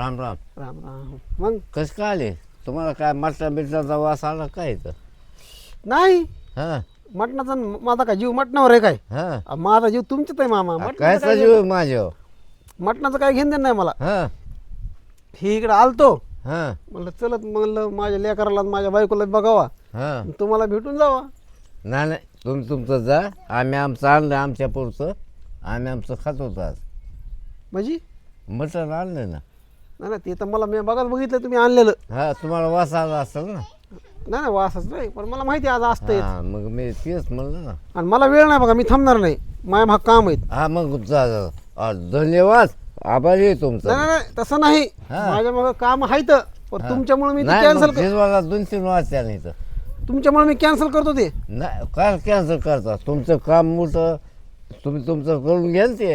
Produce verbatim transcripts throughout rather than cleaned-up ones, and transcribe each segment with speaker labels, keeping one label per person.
Speaker 1: राम राम.
Speaker 2: राम राम. मग
Speaker 1: कसं काय आले तुम्हाला? काय मटण बिटणाचा वास आला काय इथं?
Speaker 2: नाही
Speaker 1: हां
Speaker 2: मटणाचा माझा काय जीव मटणावर आहे काय?
Speaker 1: हां
Speaker 2: अ, माझा जीव तुमच्यात आहे मामा.
Speaker 1: काय
Speaker 2: मटणाचं काय
Speaker 1: सजीव माझ्या?
Speaker 2: मटणाचं काय घेणं देणं नाही मला.
Speaker 1: हां
Speaker 2: ही इकडे आलतो
Speaker 1: हां
Speaker 2: म्हणलं चलत म्हणलं माझ्या लेकराला आणि माझ्या बायकोला बघावा
Speaker 1: हां.
Speaker 2: तुम्हाला भेटून जावा.
Speaker 1: नाही नाही तुम्ही तुमचं जा. आम्ही आमचं आणलं आमच्या पुरतं. आम्ही आमचं खात होतो आज.
Speaker 2: म्हणजे
Speaker 1: मटण आणलं ना.
Speaker 2: नाही ना ते तर मला मी बघाच बघितलं तुम्ही आणलेलं.
Speaker 1: हा तुम्हाला वास आला असेल ना.
Speaker 2: नाही नाही वासच नाही पण मला माहिती आहे आज असतं
Speaker 1: हां मग मी तेच म्हणलं ना.
Speaker 2: आणि मला वेळ नाही बघा मी थांबणार नाही. माझ्या भाग काम आहेत.
Speaker 1: हा मग जा जा. आ, धन्यवाद आभारी आहे तुमचा.
Speaker 2: नाही नाही नाही, तसं नाही
Speaker 1: हा.
Speaker 2: माझ्या मग काम आहेत पण तुमच्यामुळे मी
Speaker 1: नाही
Speaker 2: कॅन्सल
Speaker 1: मग झिजवायला दोन तीन वाजता नाही तर.
Speaker 2: तुमच्यामुळे मी कॅन्सल करतो ते.
Speaker 1: नाही काय कॅन्सल करता? तुमचं काम मोठं तुम्ही तुमचं करून घ्या ना ते.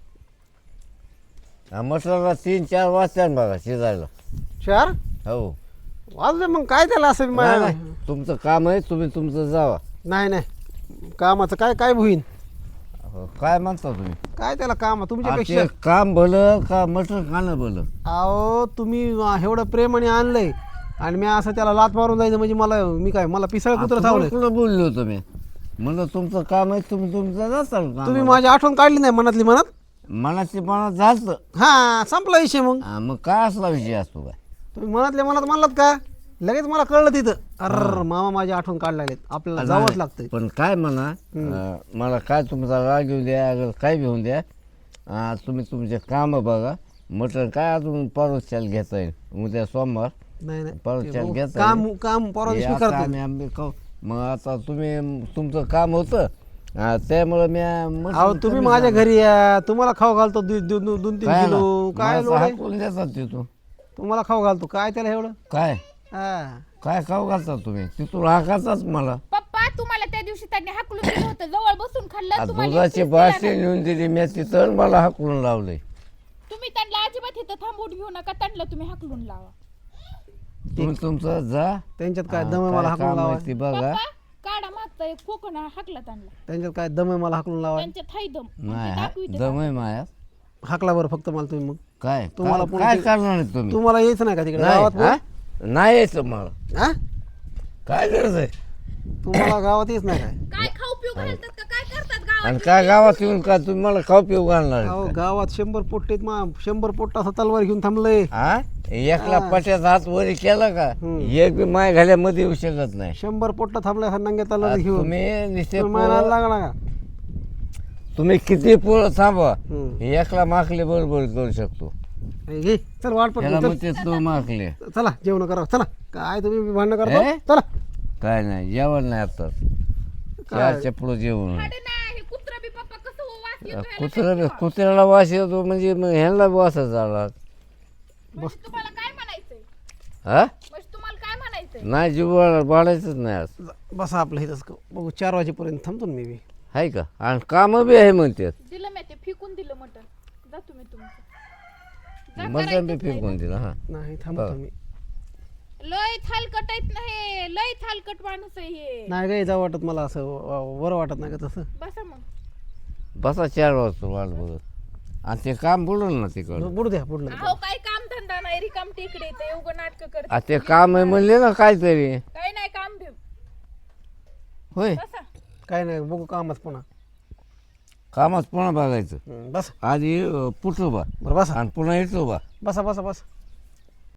Speaker 1: हा, मटणाला तीन चार वाजता बघा शिजायला.
Speaker 2: चार
Speaker 1: हो
Speaker 2: वाजले मग काय त्याला असं बी
Speaker 1: नाही,
Speaker 2: मा-
Speaker 1: नाही. तुमचं काम आहे तुम्ही तुमचं जावा.
Speaker 2: नाही नाही कामाचं काय काय होईन
Speaker 1: हो, काय म्हणता तुम्ही?
Speaker 2: काय त्याला काम
Speaker 1: आ,
Speaker 2: तुमच्यापेक्षा.
Speaker 1: ते काम भलं का मटण खाणं भलं?
Speaker 2: अहो तुम्ही एवढं प्रेमाने आणलंय आणि मी असं त्याला लात मारून जायचं म्हणजे मला मी काय मला पिसळ कुत्र
Speaker 1: तुम्हाला
Speaker 2: थावलंय.
Speaker 1: कुठं बोललो होतो मी? म्हणलं तुमचं काम आहे तुम्ही तुमचं जाचाल का?
Speaker 2: तुम्ही माझी आठवण काढली नाही मनातली मनात.
Speaker 1: मनाची मनात झालं.
Speaker 2: हा संपला विषय मग.
Speaker 1: हा, मग काय असला विषय असतो काय?
Speaker 2: तुम्ही मनातल्या मनात म्हणलात का लगेच मला कळलं तिथं. अर मामा माझी आठवण काढला आपल्याला जावंच लागतंय.
Speaker 1: पण काय म्हणा अं, मला काय तुमचा राग येऊ द्या अगर काय घेऊन द्या. अं, तुम्ही तुमचे काम बघा. मटण काय अजून परवाच्याला घेता येईल. उद्या सोमवार
Speaker 2: नाही नाही
Speaker 1: परवाच्याला
Speaker 2: ते
Speaker 1: घेता
Speaker 2: काम
Speaker 1: येईल.
Speaker 2: काम परवा
Speaker 1: हे
Speaker 2: दिवशी
Speaker 1: आता
Speaker 2: करतो.
Speaker 1: आम्ही आम्ही खाऊ. मग आता तुम्ही तुमचं काम होतं अं, त्यामुळं मी मटण
Speaker 2: अहो तुम्ही
Speaker 1: कमी
Speaker 2: माझ्या
Speaker 1: झालं.
Speaker 2: घरी या तुम्हाला खाऊ घालतो दु- दु- दु- दोन तीन
Speaker 1: काय
Speaker 2: किलो
Speaker 1: ना?
Speaker 2: काय
Speaker 1: माणसं
Speaker 2: लोड आहे?
Speaker 1: हाकलून देतात तिथून.
Speaker 2: तुम्हाला खाऊ घालतो काय त्याला एवढं.
Speaker 1: काय
Speaker 2: हा
Speaker 1: काय खाऊ घालता तुम्ही तिथून हाकाचाच मला.
Speaker 3: पप्पा तुम्हाला त्या दिवशी त्यांनी हाकलून दिलं होतं जवळ बसून खाल्लं
Speaker 1: आ,
Speaker 3: तुम्हाला
Speaker 1: दुधाची
Speaker 3: एकटीच
Speaker 1: बाशी
Speaker 3: दिलं
Speaker 1: नेऊन दिली मी तिथं मला हाकलून लावलंय.
Speaker 3: ना. तुम्ही त्यांना अजिबात इथं थांबवून घेऊ नका त्यांना तुम्ही हाकलून लावा.
Speaker 1: तुम्ही तुमचं जा.
Speaker 2: त्यांच्यात काय
Speaker 1: हा,
Speaker 2: दम आहे
Speaker 1: काय
Speaker 2: मला हाकलून
Speaker 1: काम आहे
Speaker 2: लावा.
Speaker 1: ती बघा.
Speaker 3: पप्पा काढा मागचा एक कोकण हाकला त्यांना.
Speaker 2: त्यांच्यात काय दम आहे मला हाकलून लावा.
Speaker 3: त्यांच्यात हाय दम
Speaker 1: नाही
Speaker 3: ते
Speaker 1: हा,
Speaker 3: दाखविते
Speaker 1: दम आहे माया.
Speaker 2: हाकला बरं फक्त मला तुम्ही मग.
Speaker 1: काय
Speaker 2: तुम्हाला
Speaker 1: काय-
Speaker 2: पुन्हा
Speaker 1: काय
Speaker 2: ते-
Speaker 1: करणार आहे तुम्ही?
Speaker 2: तुम्हाला यायचं नाही का तिकडे
Speaker 1: नाही
Speaker 2: गावात
Speaker 1: हा? नाही यायचं मला.
Speaker 2: हा?
Speaker 1: काय गरज आहे?
Speaker 2: तुम्हाला गावात यायच नाही काय?
Speaker 3: काय खाऊ पिऊ घालतात का काय करतात गावात?
Speaker 1: आणि काय गावात येऊन का तुम्ही मला खाऊ पिऊ घालणार आहे
Speaker 2: अहो
Speaker 1: का?
Speaker 2: गावात शंभर पोट्टेत मा शंभर पोट्ट असं तलवार घेऊन थांबलंय.
Speaker 1: हा एकला पट्याचा हात वरी केला का
Speaker 2: हम्म.
Speaker 1: एक बी माय घाल्यामध्ये येऊ शकत नाही.
Speaker 2: शंभर पोट्ट थांबलाय असं नंग्या तलवार
Speaker 1: आ,
Speaker 2: घेऊन.
Speaker 1: तुम्ही नुसते
Speaker 2: तुम्ही मला
Speaker 1: पोरं-
Speaker 2: लागला का?
Speaker 1: तुम्ही किती पोरं थांबा
Speaker 2: हम्म.
Speaker 1: एकला माकले बरोबर करू शकतो.
Speaker 2: हे घे चल वाट
Speaker 1: त्याला
Speaker 2: पट
Speaker 1: मग ते तो माकले.
Speaker 2: चला जेवण करा चला. काय तुम्ही भांडणं
Speaker 1: हे?
Speaker 2: करता चला.
Speaker 1: काय नाही जेवण नाही आता
Speaker 2: काय?
Speaker 1: चारच्या पुढं जेवण.
Speaker 3: खाडे नाही कुत्रा बी पप्पा कसं हो वास येतो ह्याला
Speaker 1: कुत्रा
Speaker 3: काय
Speaker 1: कुत्र्याला वास येतो म्हणजे मग ह्यांना वासच आला.
Speaker 3: म्हणजे तुम्हाला काय म्हणायचंय
Speaker 1: हा
Speaker 3: म्हणजे तुम्हाला काय म्हणायचंय?
Speaker 1: नाही जीव वाढायचंच नाही आज.
Speaker 2: बसा आपलं इथंच क- बघू चार वाजेपर्यंत थांबतो ना मी बी.
Speaker 1: आहे का? आणि कामं बी आहे म्हणतात.
Speaker 3: दिलं मी ते फेकून दिलं मटण. जा तुम्ही तुमचं. जा
Speaker 1: मटण बी
Speaker 3: करायचंच नाही.
Speaker 1: फेकून दिलं हा.
Speaker 2: नाही थांबतो मी.
Speaker 3: लय थालकट आहेत ना हे लय थालकट माणूस आहे हे.
Speaker 2: नाही काय जावं वाटत मला असं व- बरं वाटत नाही का तसं.
Speaker 3: बसा मग.
Speaker 1: बसा चार वाजता वाट बघत. आणि ते काम बुडल ना तिकडं.
Speaker 2: बुडू द्या बुडलं.
Speaker 3: अहो काय काम धंदा नाही रिकाम टेकडे ते उगं नाटक करते.
Speaker 1: आ, ते काम आहे म्हणले ना काहीतरी.
Speaker 3: काय नाही काम ठेव.
Speaker 1: होय
Speaker 3: बसा.
Speaker 2: काय नाही बघू कामच पुन्हा.
Speaker 1: कामात पुन्हा बघायचं.
Speaker 2: हं, बस
Speaker 1: आधी पुटलो बा
Speaker 2: बरं बसा
Speaker 1: आणि पुन्हा येतो बा.
Speaker 2: बसा बसा बस